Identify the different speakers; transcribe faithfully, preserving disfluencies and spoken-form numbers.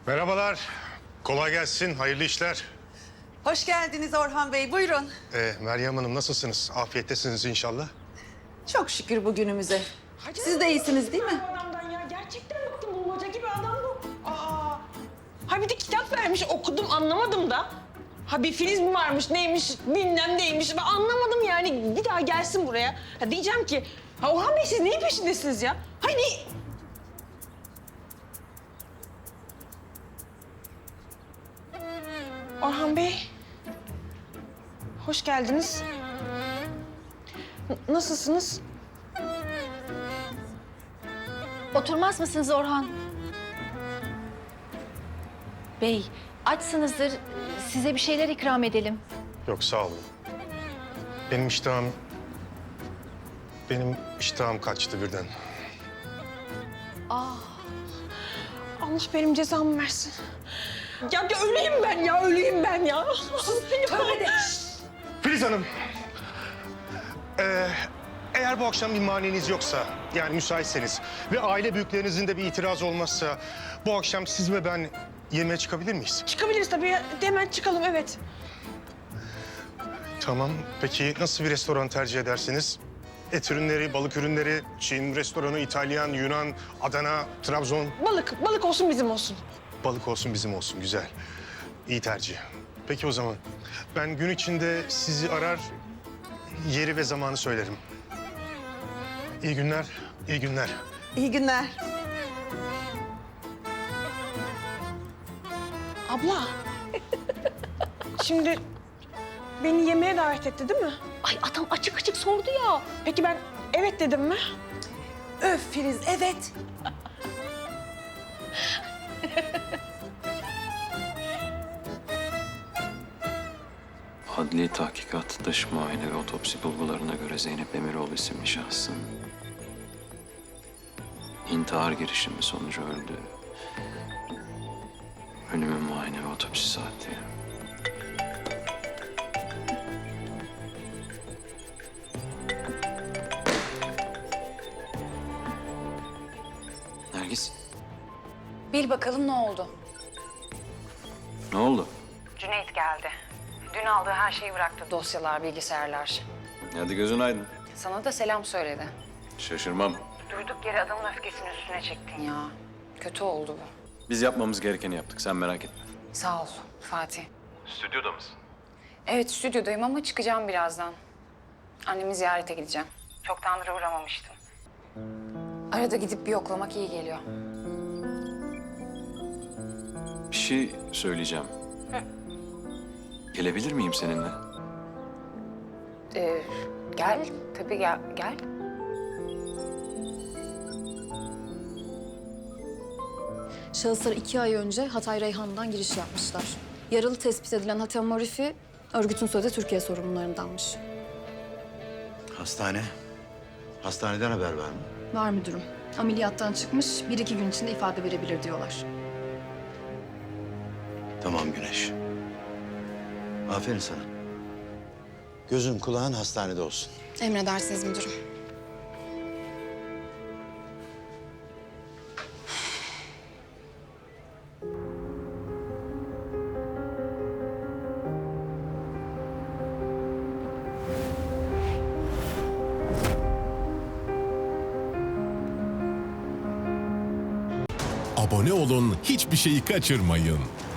Speaker 1: Merhabalar. Kolay gelsin. Hayırlı işler.
Speaker 2: Hoş geldiniz Orhan Bey. Buyurun.
Speaker 1: Ee, Meryem Hanım nasılsınız? Afiyettesiniz inşallah.
Speaker 2: Çok şükür bugünümüze. Siz de iyisiniz değil mi?
Speaker 3: Adamdan ya gerçekten bıktım, bulmaca gibi adam bu. Aa. Ha bir de kitap vermiş, okudum anlamadım da. Ha bir Filiz mi varmış, neymiş, bilmem neymiş. Ben anlamadım yani. Bir daha gelsin buraya. Ha diyeceğim ki, ha Orhan Bey siz neyin peşindesiniz ya? Hani... Orhan Bey, hoş geldiniz. N- nasılsınız?
Speaker 4: Oturmaz mısınız Orhan? Bey, açsınızdır. Size bir şeyler ikram edelim.
Speaker 1: Yok sağ olun. Benim iştahım... Benim iştahım kaçtı birden.
Speaker 4: Ah,
Speaker 3: Allah benim cezamı versin. Ya, ya öleyim ben ya, öleyim ben ya.
Speaker 2: Tövbe de.
Speaker 1: Filiz Hanım. Ee, eğer bu akşam bir maniniz yoksa, yani müsaitseniz ve aile büyüklerinizin de bir itiraz olmazsa... ...bu akşam siz ve ben yemeğe çıkabilir miyiz?
Speaker 3: Çıkabiliriz tabii ya. Hemen çıkalım, evet.
Speaker 1: Tamam. Peki nasıl bir restoran tercih edersiniz? Et ürünleri, balık ürünleri, Çin restoranı, İtalyan, Yunan, Adana, Trabzon.
Speaker 3: Balık, balık olsun bizim olsun.
Speaker 1: Balık olsun bizim olsun. Güzel. İyi tercih. Peki o zaman ben gün içinde sizi arar, yeri ve zamanı söylerim. İyi günler, iyi günler.
Speaker 2: İyi günler.
Speaker 3: Abla. Şimdi beni yemeğe davet etti değil mi?
Speaker 4: ay adam açık açık sordu ya.
Speaker 3: Peki ben evet dedim mi?
Speaker 2: Öf Filiz, evet.
Speaker 5: Adli tahkikat, dış muayene ve otopsi bulgularına göre Zeynep Emiroğlu isimli şahsın intihar girişimi sonucu öldü. Ölümün muayene ve otopsi saati. Nergis,
Speaker 6: Bil bakalım ne oldu?
Speaker 5: ne oldu?
Speaker 6: Cüneyt geldi. Dün aldığı her şeyi bıraktı. Dosyalar, bilgisayarlar.
Speaker 5: Hadi gözün aydın.
Speaker 6: Sana da selam söyledi.
Speaker 5: Şaşırmam.
Speaker 6: Durduk yere adamın öfkesini üstüne çektin ya. Kötü oldu bu.
Speaker 5: Biz yapmamız gerekeni yaptık, sen merak etme.
Speaker 6: Sağ ol Fatih.
Speaker 5: Stüdyoda mısın?
Speaker 6: Evet stüdyodayım ama çıkacağım birazdan. Annemi ziyarete gideceğim. Çoktandır uğramamıştım. Arada gidip bir yoklamak iyi geliyor.
Speaker 5: Bir şey söyleyeceğim. Gelebilir miyim seninle?
Speaker 6: Ee, gel, tabii gel. gel.
Speaker 7: Şahıslar iki ay önce Hatay Reyhan'dan giriş yapmışlar. Yaralı tespit edilen Hatem Marifi, örgütün sözde Türkiye sorumlularındanmış.
Speaker 8: Hastane. Hastaneden haber var mı?
Speaker 7: Var müdürüm. Ameliyattan çıkmış, bir iki gün içinde ifade verebilir diyorlar.
Speaker 8: Tamam Güneş. Aferin sana. Gözün kulağın hastanede olsun.
Speaker 7: Emredersiniz müdürüm.
Speaker 9: Abone olun, hiçbir şeyi kaçırmayın.